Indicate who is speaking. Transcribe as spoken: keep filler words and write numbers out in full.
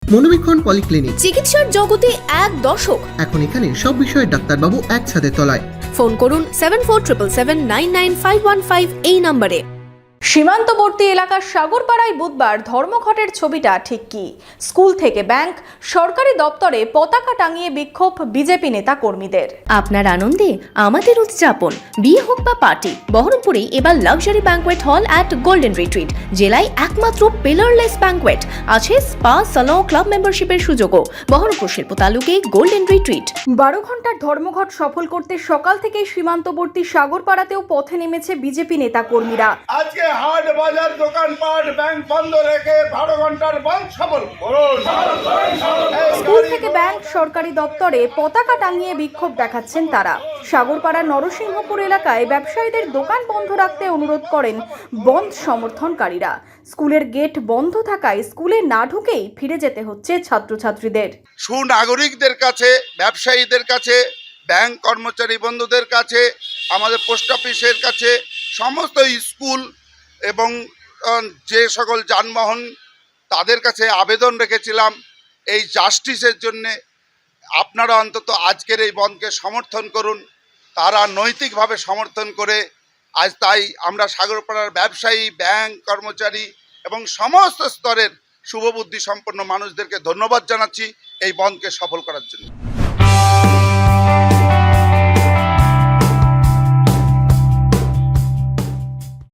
Speaker 1: মনোবীক্ষণ polyclinic,
Speaker 2: চিকিৎসার জগতে এক দশক।
Speaker 1: এখন এখানে সব বিষয়ে ডাক্তারবাবু এক ছাদের তলায়।
Speaker 2: ফোন করুন seven four triple seven nine nine five one five এই নম্বরে। সীমান্তবর্তী এলাকার সাগরপাড়ায় বুধবার ধর্মঘটের ছবিটা ঠিক কি? স্কুল থেকে ব্যাংক, সরকারি দপ্তরে পতাকা টাঙিয়ে বিক্ষোভ বিজেপি নেতা কর্মীদের। আপনার আনন্দে আমাদের উদযাপন। বিয়ে হোক বা পার্টি, বহরমপুরে এবার luxury banquet hall at golden retreat. জেলায় একমাত্র পিলারলেস ব্যাংকোয়েট, আছে স্পা, সালন, ক্লাব মেম্বারশিপের সুযোগও। বহরমপুর শিল্প তালুকে গোল্ডেন রিট্রিট। বারো ঘন্টার ধর্মঘট সফল করতে সকাল থেকেই সীমান্তবর্তী সাগরপাড়াতেও পথে নেমেছে বিজেপি নেতা কর্মীরা।
Speaker 3: আজকে হাট বাজার দোকানপাট ব্যাংক বন্ধ রেখে বারো ঘন্টার বন্ধ সফল করুন।
Speaker 2: স্কুল থেকে ব্যাংক, সরকারি দপ্তরে পতাকা টাঙিয়ে বিক্ষোভ দেখাচ্ছেন তারা। সাগরপাড়ার নরসিংহপুর এলাকায় ব্যবসায়ীদের দোকান বন্ধ রাখতে অনুরোধ করেন বন্ধ সমর্থনকারীরা। স্কুলের গেট বন্ধ থাকায় স্কুলে না ঢুকেই ফিরে যেতে হচ্ছে ছাত্রছাত্রীদের।
Speaker 3: সুনাগরিকদের কাছে, ব্যবসায়ীদের কাছে, ব্যাংক কর্মচারী বন্ধুদের কাছে, আমাদের পোস্ট অফিসের কাছে, সমস্ত স্কুল এবং যে সকল যানবাহন তাদের কাছে আবেদন রেখেছিলাম এই জাস্টিসের জন্যে। আপনারা অন্তত আজকের এই বন্ধকে সমর্থন করুন। তারা নৈতিকভাবে সমর্থন করে আজ তাই আমরা সাগরপাড়ার ব্যবসায়ী, ব্যাংক কর্মচারী এবং সমস্ত স্তরের শুভবুদ্ধি সম্পন্ন মানুষদেরকে ধন্যবাদ জানাচ্ছি এই বন্ধকে সফল করার জন্য।